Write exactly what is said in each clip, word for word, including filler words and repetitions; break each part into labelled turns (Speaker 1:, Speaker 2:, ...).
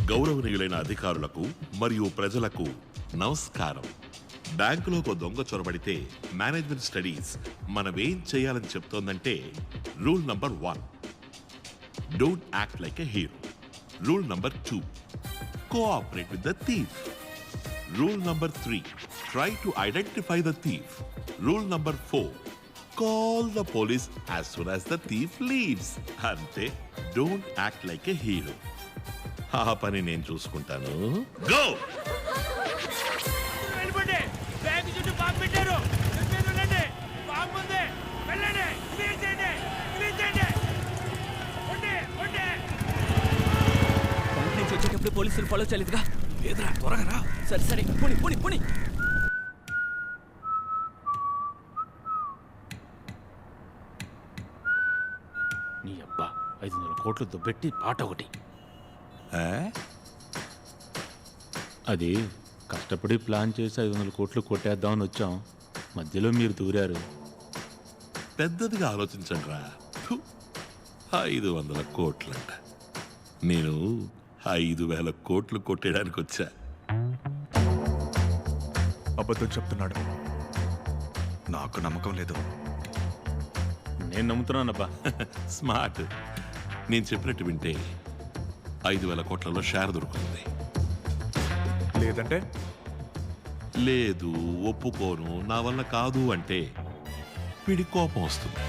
Speaker 1: గౌరవనీయులైన అధికారులకు మరియు ప్రజలకు నమస్కారం. బ్యాంకులోకి దొంగ చొరబడితే మేనేజ్మెంట్ స్టడీస్ మనమేం చేయాలని చెప్తోందంటే rule number one, don't act like a hero. Rule number two, cooperate with the thief. Rule number three, try to identify the thief. Rule number four, call the police as soon as the thief leaves. Ante, don't act like a hero. Ha pani nenu chuskuntaanu. Go!
Speaker 2: వెళ్ళిపోండి. Bank చుట్టూ bomb పెట్టారు. మీరు ఉండండి. Bomb ఉంది. వెళ్ళండి. Clear చేయండి. Clear చేయండి. ఉండి, ఉండి.
Speaker 3: బ్యాంక్ నుంచి వచ్చేటప్పుడు పోలీసులు ఫాలో చేయలేదుగా?
Speaker 4: లేదురా, త్వరగా రా.
Speaker 3: సరే సరే, పోనీ పోనీ పోనీ.
Speaker 4: నీ అబ్బా, ఐదు వందల కోట్లు దుబ్బెట్టి పాట ఒకటి. అది కష్టపడి ప్లాన్ చేసి ఐదు వందల కోట్లు కొట్టేద్దామని వచ్చాం. మధ్యలో మీరు దూరారు.
Speaker 1: పెద్దదిగా ఆలోచించండి రా. ఐదు వందల కోట్లంట. నేను ఐదు వేల కోట్లు కొట్టేయడానికి వచ్చా.
Speaker 5: అబద్ధం చెప్తున్నాడు. నాకు నమ్మకం లేదు.
Speaker 4: నేను నమ్ముతున్నానబ్బా.
Speaker 1: స్మార్ట్. నేను చెప్పినట్టు వింటే ఐదు వేల కోట్లలో షేర్ దొరుకుతుంది.
Speaker 5: లేదంటే
Speaker 1: లేదు, ఒప్పుకోను, నా వల్ల కాదు అంటే వీడి కోపం వస్తుంది.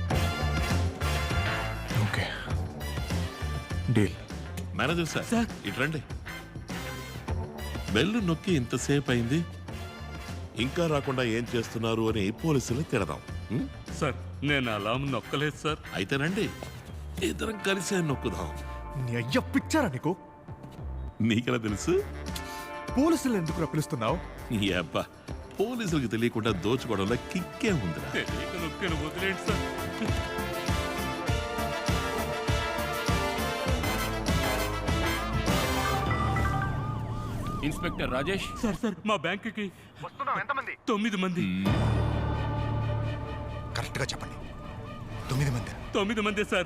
Speaker 5: Okay, deal.
Speaker 1: మేనేజర్ సార్, ఇటు రండి. బెల్లు నొక్కి ఇంతసేపు అయింది, ఇంకా రాకుండా ఏం చేస్తున్నారు అని పోలీసులు తిడదాం. ఉం?
Speaker 6: సార్, నేను అలా నొక్కలేదు సార్.
Speaker 1: అయితేనండి ఇద్దరం కలిసే నొక్కుదాం.
Speaker 5: నీ అయ్య పిచ్చారా నీకు?
Speaker 1: నీకెలా తెలుసు?
Speaker 5: పోలీసులు ఎందుకు పిలుస్తున్నావు?
Speaker 1: ఈ అబ్బా, పోలీసులకు తెలియకుండా దోచుకోవడంలో కిక్కే ఉందిరా.
Speaker 6: తెలియక నొక్కాను, వదిలేండి sir.
Speaker 4: Inspector Rajesh.
Speaker 6: Sir sir, మా బ్యాంకుకి
Speaker 5: ఎంతమంది?
Speaker 6: తొమ్మిది మంది.
Speaker 5: కరెక్ట్ గా చెప్పండి. తొమ్మిది మంది.
Speaker 6: తొమ్మిది మంది సార్.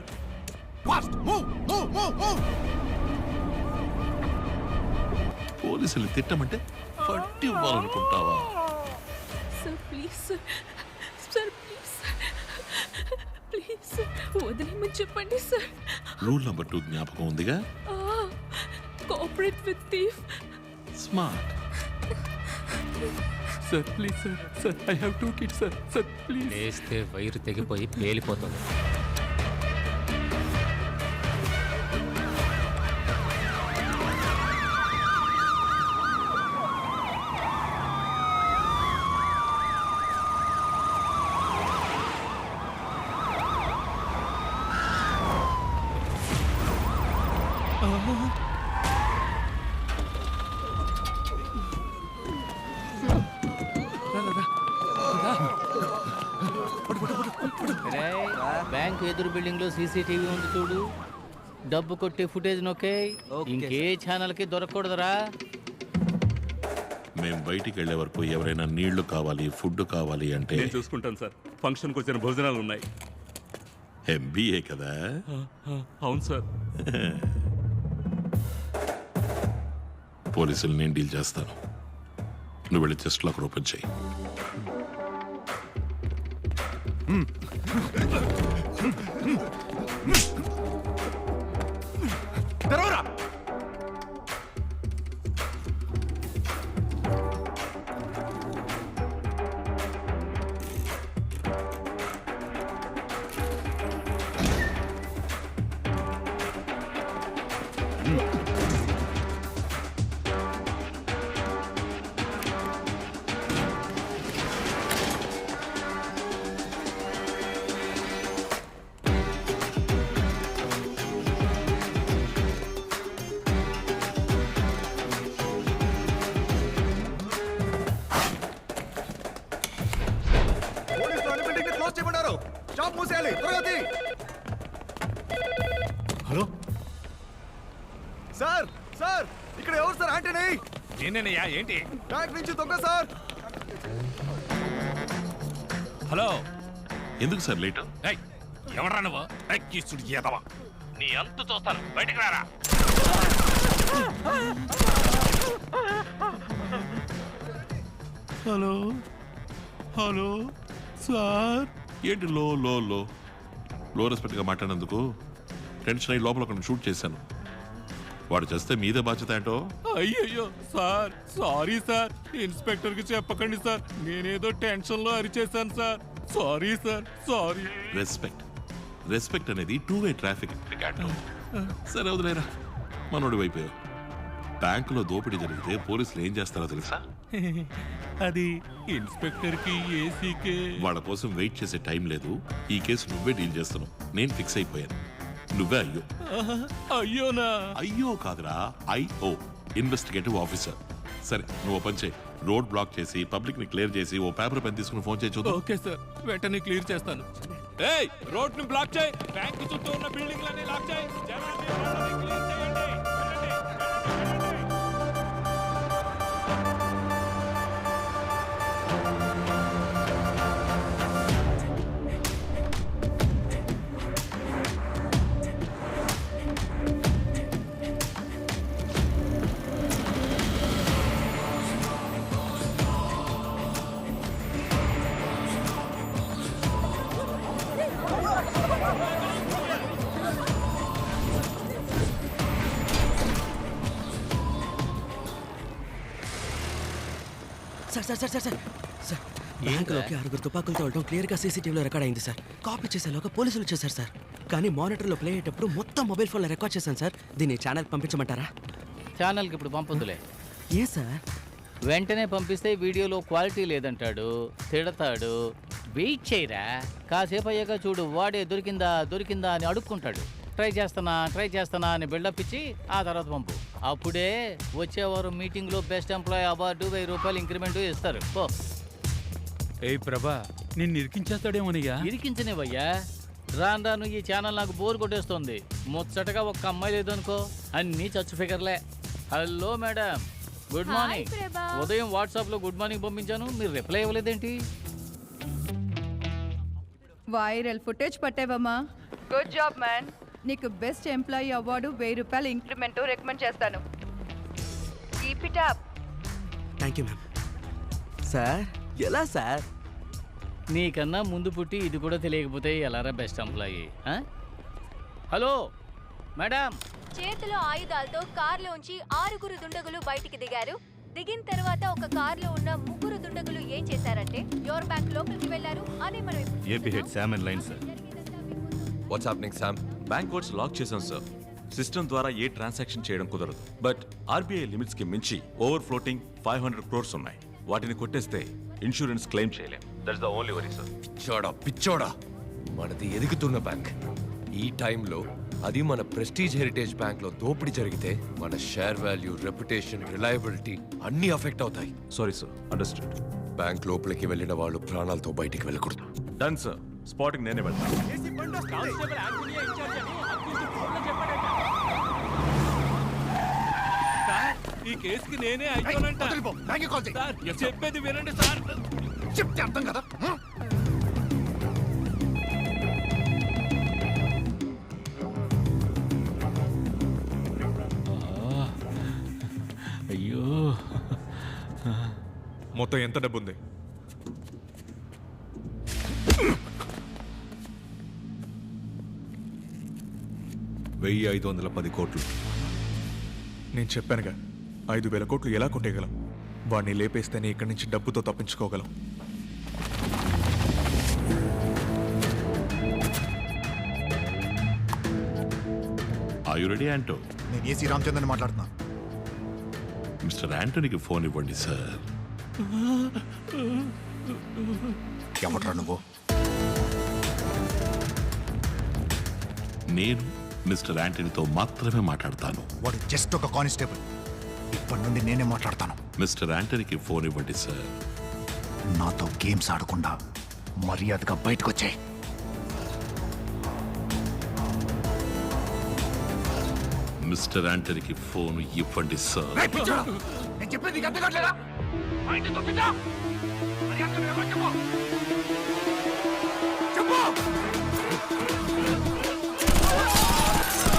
Speaker 1: పోలీసులు తిట్టమంటే పట్టి ఇవ్వాలనుకుంటావా?
Speaker 7: Sir please sir, sir please please sir, వదిలేమని చెప్పండి సార్.
Speaker 1: రూల్ నంబర్ టూ జ్ఞాపకం ఉందిగా?
Speaker 7: Cooperate with thief.
Speaker 1: Smart.
Speaker 6: Sir please sir, sir I have two kids sir, sir please.
Speaker 3: లేస్తే వైరు తెగిపోయి పేలిపోతుంది.
Speaker 8: బ్యాంక్ ఎదురు బిల్డింగ్ లో సీసీటీవీ ఉంది చూడు. డబ్బు కొట్టే ఫుటేజ్ నొక్కే. ఇంకే ఛానల్ కి దొరకకూడదురా.
Speaker 1: మేము బయటికి వెళ్లే వరకు ఎవరైనా నీళ్లు కావాలి, ఫుడ్ కావాలి అంటే
Speaker 6: నేను చూసుకుంటాను సార్. ఫంక్షన్ కు వచ్చిన భోజనాలు ఉన్నాయి.
Speaker 1: ఎంబీఏ కదా?
Speaker 6: అవును సార్.
Speaker 1: పోలీసులు నేను డీల్ చేస్తాను. నువ్వు వెళ్ళి చెస్ట్ లాక్ ఓపెన్ చేయి.
Speaker 5: తెరవరా. హలో సార్, సార్ ఇక్కడ ఎవరు సార్? ఆంటనీ.
Speaker 4: నేనేనయ్యా. ఏంటి?
Speaker 5: బ్యాంక్ నుంచి దొంగ సార్.
Speaker 4: హలో,
Speaker 1: ఎందుకు సార్ లేట్?
Speaker 4: ఎవరా నువ్వు? ఎదవా.
Speaker 8: నీ అంతు చూస్తాను, బయటికి రారా.
Speaker 1: హలో హలో సార్ ఏంటి లో లో లో లో రెస్పెక్ట్గా మాట్లాడినందుకు టెన్షన్ అయ్యి లోపల ఒకరిని షూట్ చేశాను. వాడు చేస్తే మీదే బాధ్యత ఏంటో.
Speaker 6: అయ్యయ్యో సార్ సారీ సార్, ఇన్స్పెక్టర్ కి చెప్పకండి సార్, నేనేదో టెన్షన్ లో అరిచేశాను sir. Sorry sir, sorry.
Speaker 1: Respect respect అనేది టూ వే ట్రాఫిక్. సరే వదిలేరా, మనోడి వైపు. బ్యాంకులో దోపిడీ జరిగితే పోలీసులు ఏం చేస్తారో తెలుసా?
Speaker 6: అది ఇన్స్పెక్టర్ కి ఏసీకే.
Speaker 1: వాళ్ళ కోసం వెయిట్ చేసే టైం లేదు. ఈ కేసు నువ్వే డీల్ చేస్తున్నావు. నేను ఫిక్స్ అయిపోయాను. నువ్వే అయ్యో.
Speaker 6: అయ్యోనా?
Speaker 1: అయ్యో కాదురా, ఐఓ, ఇన్వెస్టిగేటివ్ ఆఫీసర్. సరే నువ్వు పని చేయి, రోడ్ బ్లాక్ చేసి పబ్లిక్ ని క్లియర్ చేసి ఓ పేపర్ పెన్ తీసుకుని ఫోన్ చేయి చూద్దాం.
Speaker 6: ఓకే సార్, వెంటనే క్లియర్ చేస్తాను. ఏయ్, రోడ్ ని బ్లాక్ చేయి, బ్యాంక్ చుట్టూ ఉన్న బిల్డింగ్లన్నీ లాక్ చేయి, జనాన్ని రోడ్లని క్లియర్ చేయండి. వెళ్ళండి, వెళ్ళండి, వెళ్ళండి.
Speaker 9: Sir sir sir sir sir sir బ్యాంకులోకి ఆరుగురు తుపాకులతో వెళ్ళడం క్లియర్గా సీసీటీవీలో రికార్డ్ అయింది సార్. కాపీ చేసేలోగా పోలీసులు వచ్చేసారు సార్. కానీ మానిటర్లో ప్లే అయ్యేటప్పుడు మొత్తం మొబైల్ ఫోన్లో రికార్డ్ చేశాను సార్. దీన్ని ఛానల్ పంపించమంటారా?
Speaker 8: ఛానల్కి ఇప్పుడు పంపొద్దులే.
Speaker 9: ఏ సార్?
Speaker 8: వెంటనే పంపిస్తే వీడియోలో క్వాలిటీ లేదంటాడు, తిడతాడు. వెయిట్ చేయరా, కాసేపు అయ్యాక చూడు, వాడే దొరికిందా దొరికిందా అని అడుక్కుంటాడు. ట్రై చేస్తానా ట్రై చేస్తానా అని బిల్డప్ ఇచ్చి ఆ తర్వాత పంపు. అప్పుడే వచ్చేవారు మీటింగ్లో బెస్ట్ ఎంప్లాయీ అవార్డు, వెయ్యి రూపాయలు ఇంక్రిమెంట్ ఇస్తారు. ఓ
Speaker 6: ఏయ్ ప్రభా, నిన్ను ఇరికించేస్తాడేమోనయ్యా.
Speaker 8: ఇరికించనివయ్యా, రాను రాను ఈ ఛానల్ నాకు బోర్ కొట్టేస్తుంది. ముచ్చటగా ఒక్క అమ్మాయి లేదనుకో, అన్నీ చచ్చు ఫిగర్లే. Hello madam, good morning. ఉదయం వాట్సాప్లో గుడ్ మార్నింగ్ పంపించాను, మీరు రిప్లై ఇవ్వలేదేంటి?
Speaker 7: వైరల్ ఫుటేజ్ పట్టావమ్మా. Good job man. నీకు బెస్ట్ ఎంప్లాయీ అవార్డు, వెయ్యి రూపాయలు ఇంక్రిమెంట్ రికమెండ్ చేస్తాను. Keep it up.
Speaker 9: Thank you ma'am. Sir ఎలా సార్?
Speaker 8: నీకన్నా ముందు పుట్టి ఇది కూడా తెలియకపోతే ఎలారా బెస్ట్ ఎంప్లాయీ? Hello madam.
Speaker 10: చేతిలో ఆయుధాలతో కార్లోంచి ఆరుగురు దుండగులు బయటికి దిగారు. దిగిన తర్వాత ఒక కార్లో ఉన్న ముగ్గురు దుండగులు ఏం చేశారంటే యోర్ బ్యాంక్ లోపలికి వెళ్లారు. అదే మనం
Speaker 5: AP head Sam and line sir.
Speaker 11: What's happening Sam? Bank codes lock చేశాం సార్. సిస్టమ్ ద్వారా ఏ ట్రాన్సాక్షన్ చేయడం కుదరదు. బట్ ఆర్బీఐ లిమిట్స్ కి మించి over floating five hundred crores ఉన్నాయి. వాటిని కొట్టేస్తే ఇన్సూరెన్స్ క్లెయిమ్ చేయలేం. That's the only worry sir.
Speaker 12: పిచ్చోడా పిచ్చోడా, మనది ఎదుగుతున్న బ్యాంక్. ఈ టైంలో అది మన ప్రెస్టీజ్ హెరిటేజ్ బ్యాంక్ లో దోపిడీ జరిగితే మన షేర్ వాల్యూ, రెప్యుటేషన్, రిలయబిలిటీ అన్నీ అఫెక్ట్ అవుతాయి.
Speaker 11: Sorry sir, understood.
Speaker 12: బ్యాంక్ లోపలికి వెళ్ళిన వాళ్ళు ప్రాణాలతో బయటికి వెళ్ళకూడదు.
Speaker 11: డన్ సార్, స్పాటింగ్ నేనే వెళ్తాను.
Speaker 6: ఈ కేసుకి నేనే అయ్యోనంట. సార్, చెప్పేది వినండి సార్.
Speaker 5: చెప్తే అర్థం కదా.
Speaker 4: అయ్యో,
Speaker 5: మొత్తం ఎంత డబ్బు ఉంది? వెయ్యి ఐదు వందల పది కోట్లు. నేను చెప్పానుగా, ఐదు వేల కోట్లు ఎలా కొట్టేయగలం? వాడిని లేపేస్తేనే ఇక్కడి నుంచి డబ్బుతో తప్పించుకోగలం.
Speaker 1: Are you ready Anto?
Speaker 5: నేను ఏసీ రామచంద్రని మాట్లాడుతున్నా.
Speaker 1: మిస్టర్ యాంటోనీకి ఫోన్ ఇవ్వండి సార్.
Speaker 5: ఎవట్రా నువ్వు?
Speaker 1: నేను మిస్టర్ యాంటనీతో మాత్రమే మాట్లాడతాను.
Speaker 5: వాడు జస్ట్ ఒక కానిస్టేబుల్. ఇప్పటి నుండి నేనే మాట్లాడతాను.
Speaker 1: మిస్టర్ యాంటనీకి ఫోన్ ఇవ్వండి సార్.
Speaker 5: నాతో గేమ్స్ ఆడకుండా మర్యాదగా బయటకు వచ్చాయి.
Speaker 1: మిస్టర్ యాంటనీకి ఫోన్ ఇవ్వండి సార్.
Speaker 5: నేను చెప్పేది అర్థం కావట్లేదా? చెప్పు.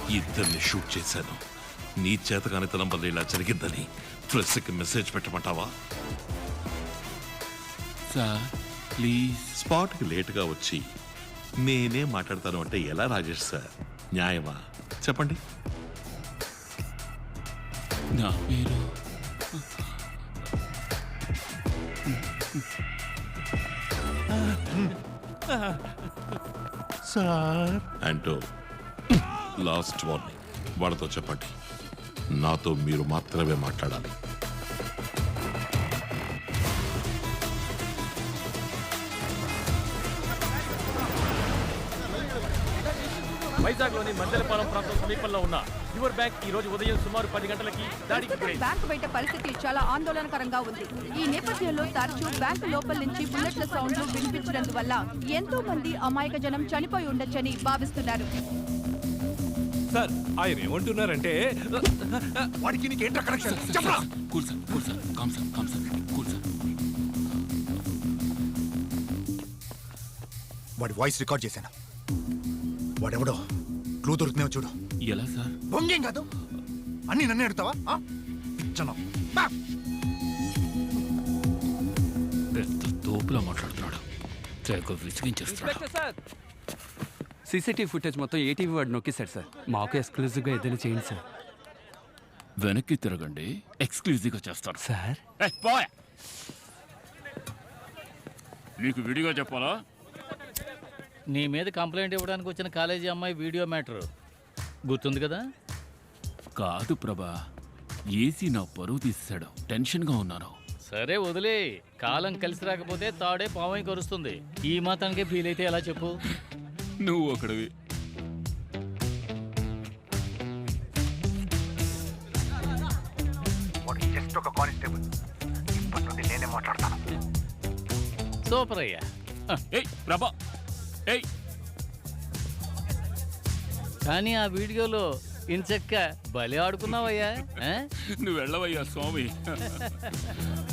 Speaker 1: ఇద్దరిని షూట్ చేశాను. నీ చేతగానితనం వల్ల ఇలా జరిగిందని ప్రెస్కి మెసేజ్ పెట్టమంటావా?
Speaker 4: Sir please.
Speaker 1: స్పాట్కి లేటుగా వచ్చి నేనే మాట్లాడతాను అంటే ఎలా రాజేష్ సార్? న్యాయమా చెప్పండి?
Speaker 4: నా పేరు
Speaker 1: సార్ అంటూ లాస్ట్ వార్నింగ్. వాళ్ళతో చెప్పండి, నాతో మీరు మాత్రమే మాట్లాడాలి.
Speaker 13: వైజాగ్లోని మందలపాలెం ప్రాంతం సమీపంలో ఉన్న యువర్ బ్యాంక్ ఈ రోజు ఉదయం సుమారు పది గంటలకి దాడికి గురైంది.
Speaker 7: బ్యాంకు బయట పరిస్థితి చాలా ఆందోళనకరంగా ఉంది. ఈ నేపథ్యంలో తరచూ బ్యాంకు లోపల నుంచి బుల్లెట్ల సౌండ్లు వినిపించినందువల్ల ఎంతో మంది అమాయక జనం చనిపోయి ఉండొచ్చని భావిస్తున్నారు.
Speaker 6: సార్ ఆయన ఏమంటున్నారంటే
Speaker 5: వాడికి నీకేంట్రా కనెక్షన్ చెప్పరా?
Speaker 4: Cool sir cool sir calm sir calm sir cool sir.
Speaker 5: వాడి వాయిస్ రికార్డ్ చేశాను. వాడెవడో క్లూ దొరుకుతున్నావు చూడు.
Speaker 4: ఎలా సార్?
Speaker 5: బొంగేం కాదు, అన్ని నన్నే అడుగుతావా? పిచ్చను
Speaker 4: పెద్ద తోపులా మాట్లాడుతున్నాడు. తెగ విసిగించేస్తున్నాడు.
Speaker 13: ఇన్స్పెక్టర్ సార్, సీసీటీవీ ఫుటేజ్ మొత్తం ఏటీవీ వాడు నొక్కేశాడు సార్. మాకు ఎక్స్క్లూజివ్గా ఏదైనా చేయండి సార్.
Speaker 4: వెనక్కి తిరగండి, ఎక్స్క్లూజివ్గా చేస్తారు
Speaker 13: సార్
Speaker 4: ఏయ్, పోయ్. నీకు విడిగా చెప్పాలా?
Speaker 8: నీ మీద కంప్లైంట్ ఇవ్వడానికి వచ్చిన కాలేజీ అమ్మాయి వీడియో మ్యాటర్ గుర్తుంది కదా?
Speaker 4: కాదు ప్రభా, ఏసీ నా పరువు తీసాడు. టెన్షన్గా ఉన్నాను.
Speaker 8: సరే వదిలే, కాలం కలిసి రాకపోతే తాడే పావై కరుస్తుంది. ఈ మాత్రానికే ఫీల్ అయితే ఎలా చెప్పు?
Speaker 4: నువ్వు ఒకడివి.
Speaker 5: జస్ట్ ఒక కానిస్టేబుల్. ఇప్పటి నుండి నేనే మాట్లాడతాను.
Speaker 8: సూపర్ అయ్యా.
Speaker 4: ఏయ్ ప్రభా, ఏయ్.
Speaker 8: కానీ ఆ వీడియోలో ఇంచక్క బలి ఆడుకున్నావయ్యా.
Speaker 4: నువ్వు వెళ్ళవయ్యా స్వామి.